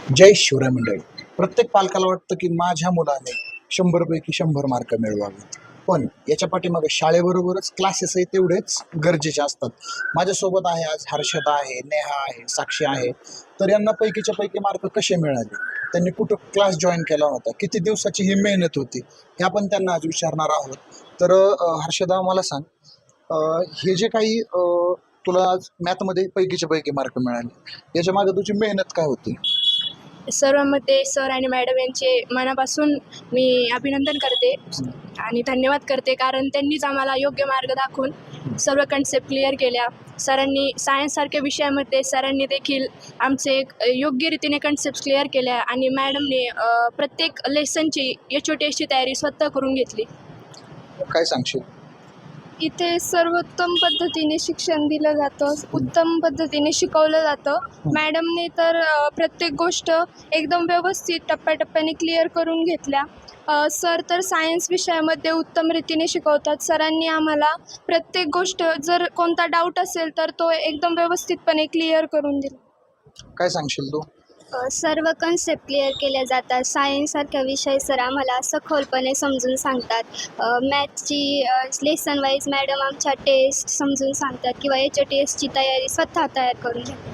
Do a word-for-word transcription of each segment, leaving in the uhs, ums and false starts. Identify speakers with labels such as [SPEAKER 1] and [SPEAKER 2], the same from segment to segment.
[SPEAKER 1] जय शिवराय मंडळी. प्रत्येक पालकाला वाटतं की माझ्या मुलाने शंभर पैकी शंभर मार्क मिळवावेत, पण याच्या पाठीमागे शाळेबरोबरच क्लासेसही तेवढेच गरजेचे असतात. माझ्यासोबत आहे आज हर्षदा आहे, नेहा आहे, साक्षी आहे. तर यांना पैकीच्या पैकी मार्क कसे मिळाले, त्यांनी कुठं क्लास जॉईन केला होता, किती दिवसाची ही मेहनत होती, हे आपण त्यांना आज विचारणार आहोत. तर अ, हर्षदा मला सांग, अ, हे जे काही अ, तुला आज मॅथमध्ये पैकीच्या पैकी मार्क मिळाले, याच्या मागे तुझी मेहनत काय होती?
[SPEAKER 2] सर्वांमध्ये सर आणि मॅडम यांचे मनापासून मी अभिनंदन करते आणि धन्यवाद करते, कारण त्यांनीच आम्हाला योग्य मार्ग दाखवून सर्व कन्सेप्ट क्लिअर केल्या. सरांनी सायन्ससारख्या विषयामध्ये सरांनी देखील आमचे एक योग्य रीतीने कन्सेप्ट क्लिअर केल्या आणि मॅडमने अ, प्रत्येक लेसनची एच ओ टी एसची तयारी स्वतः करून घेतली.
[SPEAKER 1] काय सांगशील?
[SPEAKER 3] इथे सर्वोत्तम पद्धतीने शिक्षण दिलं जातं, उत्तम पद्धतीने शिकवलं जातं. मॅडमने तर अ, प्रत्येक गोष्ट एकदम व्यवस्थित टप्प्याटप्प्याने क्लिअर करून घेतल्या. अ, सर तर सायन्स विषयामध्ये उत्तम रीतीने शिकवतात. सरांनी आम्हाला प्रत्येक गोष्ट, जर कोणता डाऊट असेल तर तो एकदम व्यवस्थितपणे क्लिअर करून दिला.
[SPEAKER 1] काय सांगशील तू?
[SPEAKER 4] अ, सर्व कन्सेप्ट क्लिअर केल्या जातात. सायन्ससारख्या विषय सर आम्हाला सखोलपणे समजून सांगतात. अ, मॅथ्सची लेसन वाईज मॅडम आमच्या टेस्ट समजून सांगतात किंवा एच टी एसची तयारी स्वतः तयार करून घेतात.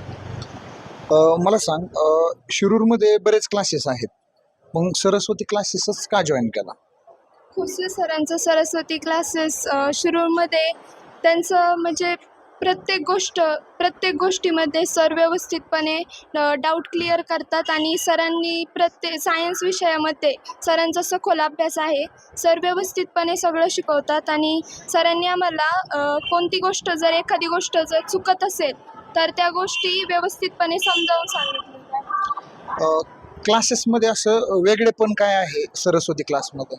[SPEAKER 1] अ, मला सांग, अ, शिरूरमध्ये बरेच क्लासेस आहेत, मग सरस्वती क्लासेसच का जॉईन केला?
[SPEAKER 3] खुसे सरांचं सरस्वती क्लासेस अ, शिरूरमध्ये त्यांचं म्हणजे प्रत्येक गोष्ट प्रत्येक गोष्टीमध्ये सर व्यवस्थितपणे डाऊट क्लिअर करतात आणि सरांनी प्रत्येक सायन्स विषयामध्ये सरांचा सखोल अभ्यास आहे. सर व्यवस्थितपणे सगळं शिकवतात आणि सरांनी आम्हाला अ, कोणती गोष्ट, जर एखादी गोष्ट जर चुकत असेल तर त्या गोष्टी व्यवस्थितपणे समजावून सांगितल्या.
[SPEAKER 1] अ, क्लासेसमध्ये असं वेगळेपण काय आहे सरस्वती क्लासमध्ये?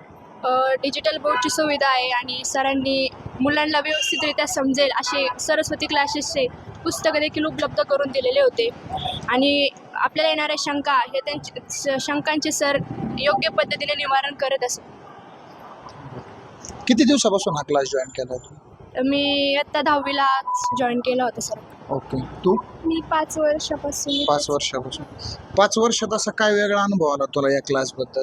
[SPEAKER 2] डिजिटल बोर्डची सुविधा आहे आणि सरांनी मुलांना व्यवस्थितरित्या समजेल असे सरस्वती क्लासेसचे पुस्तकं देखील उपलब्ध करून दिलेले होते आणि आपल्याला येणाऱ्या शंका हे त्यांचे स- शंकांचे सर योग्य पद्धतीने निवारण करत असत.
[SPEAKER 1] किती दिवसापासून हा क्लास जॉईन केला तू?
[SPEAKER 2] मी आत्ता दहावीला जॉईन केलं होतं सर.
[SPEAKER 1] ओके. तू?
[SPEAKER 3] मी पाच वर्षापासून
[SPEAKER 1] पाच वर्षापासून. पाच वर्षात असा काय वेगळा अनुभव आला तुला या क्लासबद्दल?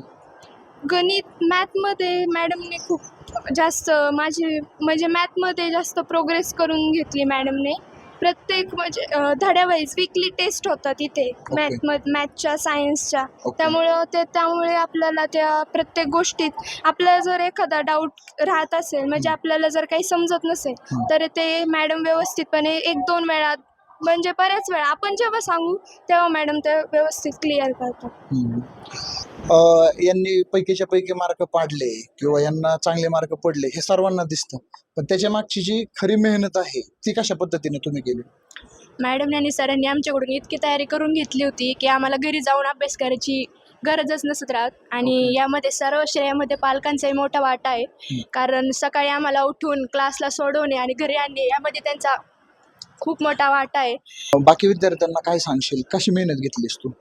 [SPEAKER 3] गणित मॅथमध्ये मॅडमने खूप जास्त माझी म्हणजे मॅथमध्ये जास्त प्रोग्रेस करून घेतली मॅडमने. प्रत्येक म्हणजे अ, धड्यावाईज वीकली टेस्ट होतात इथे मॅथमध्ये, मॅथच्या, सायन्सच्या.
[SPEAKER 1] ओके.
[SPEAKER 3] त्यामुळं ते त्यामुळे आपल्याला त्या प्रत्येक गोष्टीत आपल्याला जर एखादा डाऊट राहत असेल, म्हणजे आपल्याला जर काही समजत नसेल
[SPEAKER 1] हं.
[SPEAKER 3] तर ते मॅडम व्यवस्थितपणे एक दोन वेळा, म्हणजे बऱ्याच वेळा आपण जेव्हा सांगू तेव्हा मॅडम ते व्यवस्थित क्लिअर करतात.
[SPEAKER 1] हम्म. अ, यांनी पैकीच्या पैकी मार्क पाडले किंवा यांना चांगले मार्क पडले हे सर्वांना दिसतं, पण त्याच्या मागची जी खरी मेहनत आहे ती कशा पद्धतीने तुम्ही केली?
[SPEAKER 2] मॅडम आणि सरांनी आमच्याकडून इतकी तयारी करून घेतली होती की आम्हाला घरी जाऊन अभ्यास करायची गरजच नसत राहत आणि
[SPEAKER 1] ओके.
[SPEAKER 2] यामध्ये सर्व श्रेयामध्ये पालकांचाही मोठा वाटा आहे,
[SPEAKER 1] हं.
[SPEAKER 2] कारण सकाळी आम्हाला उठून क्लासला सोडवणे आणि घरी आणणे यामध्ये त्यांचा खूप मोठा वाटा आहे.
[SPEAKER 1] बाकी विद्यार्थ्यांना काय सांगशील, कशी मेहनत घेतलीस तू?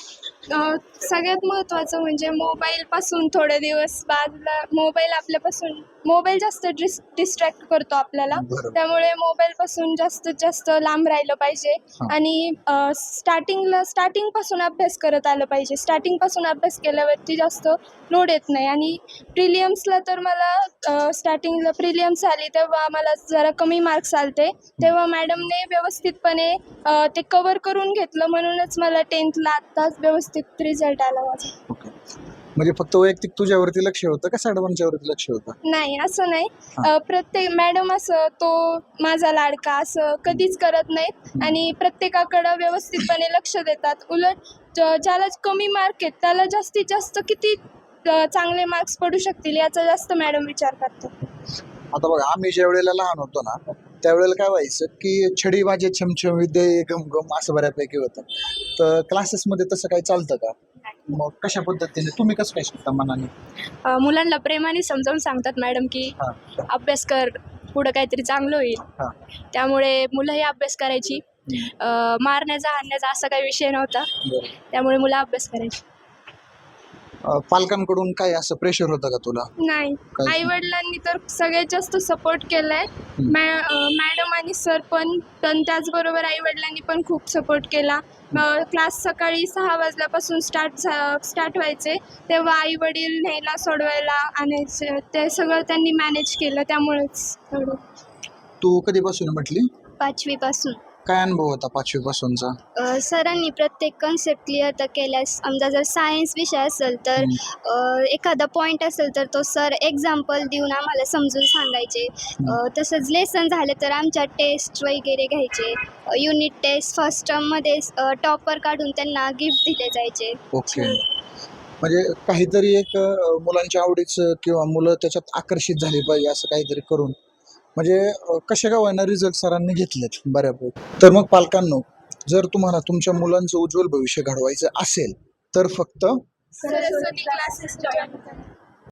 [SPEAKER 3] अ, सगळ्यात महत्त्वाचं म्हणजे मोबाईलपासून थोडे दिवस बाजूला, मोबाईल आपल्यापासून मोबाईल जास्त डिस डिस्ट्रॅक्ट करतो आपल्याला.
[SPEAKER 1] बरोबर.
[SPEAKER 3] त्यामुळे मोबाईलपासून जास्तीत जास्त लांब राहिलं पाहिजे
[SPEAKER 1] हां.
[SPEAKER 3] आणि अ, स्टार्टिंगला स्टार्टिंगपासून अभ्यास करत आलं पाहिजे. स्टार्टिंगपासून अभ्यास केल्यावरती जास्त लोड येत नाही आणि प्रिलियम्सला तर मला अ, स्टार्टिंगला प्रिलियम्स आली तेव्हा मला जरा कमी मार्क्स आलते. तेव्हा मॅडमने व्यवस्थितपणे अ, ते कवर करून घेतलं, म्हणूनच मला टेन्थला आत्ताच व्यवस्थित रिझल्ट आला माझा.
[SPEAKER 1] ओके. म्हणजे फक्त वैयक्तिक तुझ्यावरती लक्ष होतं का सर्वांच्यावरती लक्ष होतं?
[SPEAKER 3] नाही, असं नाही.
[SPEAKER 1] हां.
[SPEAKER 3] अ, प्रत्येक मॅडम असं तो माझा लाडका असं कधीच करत नाहीत आणि प्रत्येकाकडं व्यवस्थितपणे लक्ष देतात. उलट ज ज्याला कमी मार्क आहेत त्याला जास्तीत जास्त किती अ, चांगले मार्क्स पडू शकतील याचा जास्त मॅडम विचार करतात.
[SPEAKER 1] आता बघा, आम्ही ज्या वेळेला लहान होतो ना, त्यावेळेला काय व्हायचं की छडी वाजे छमछम विद्ये गम गम असं बऱ्यापैकी होतं. तर क्लासेसमध्ये तसं काही चालतं का? मग कशा पद्धतीने तुम्ही कसं काय शिकता मनाने?
[SPEAKER 2] अ, मुलांना प्रेमाने समजावून सांगतात मॅडम की
[SPEAKER 1] हां.
[SPEAKER 2] अभ्यास कर, पुढं काहीतरी चांगलं होईल.
[SPEAKER 1] हां.
[SPEAKER 2] त्यामुळे मुलंही अभ्यास करायची.
[SPEAKER 1] हम्म.
[SPEAKER 2] अ, मारण्याचा हाणण्याचा असा काही विषय नव्हता,
[SPEAKER 1] बरं.
[SPEAKER 2] त्यामुळे मुलं अभ्यास करायची.
[SPEAKER 1] अं, पालकांकडून काय असं प्रेशर होतं का तुला?
[SPEAKER 3] नाही,
[SPEAKER 1] काय?
[SPEAKER 3] आई वडिलांनी तर सगळ्यात जास्त सपोर्ट केलाय. मॅ अ, मॅडम आणि सर पण, पण त्याचबरोबर आई वडिलांनी पण खूप सपोर्ट केला. क्लास सकाळी सहा वाजल्यापासून स्टार्ट स्टार्ट व्हायचे, तेव्हा आई वडील न्यायला सोडवायला आणायचे, ते सगळं त्यांनी मॅनेज केलं, त्यामुळेच एवढं.
[SPEAKER 1] तू कधीपासून म्हटली?
[SPEAKER 4] पाचवीपासून
[SPEAKER 1] काय अनुभव होता पाचवी पासूनचा?
[SPEAKER 4] अ, सरांनी प्रत्येक कन्सेप्ट क्लिअर तर केल्यास, समजा जर सायन्स विषय असेल तर अ, एखादा पॉईंट असेल तर तो सर एक्झाम्पल देऊन आम्हाला समजून सांगायचे. अ, तसंच लेसन झाले तर आमच्या टेस्ट वगैरे घ्यायचे. युनिट टेस्ट फर्स्ट टर्ममध्ये टॉपर काढून त्यांना गिफ्ट दिले जायचे.
[SPEAKER 1] ओके. म्हणजे काहीतरी एक अं, मुलांच्या आवडीचं किंवा मुलं त्याच्यात आकर्षित झाली पाहिजे असं काहीतरी करून, म्हणजे अं, कशा का होईना रिझल्ट सरांनी घेतलेत बऱ्यापैकी. तर मग पालकांनो, जर तुम्हाला तुमच्या मुलांचं उज्ज्वल भविष्य घडवायचं असेल तर फक्त
[SPEAKER 3] सरस्वती क्लासेस जॉईन करा.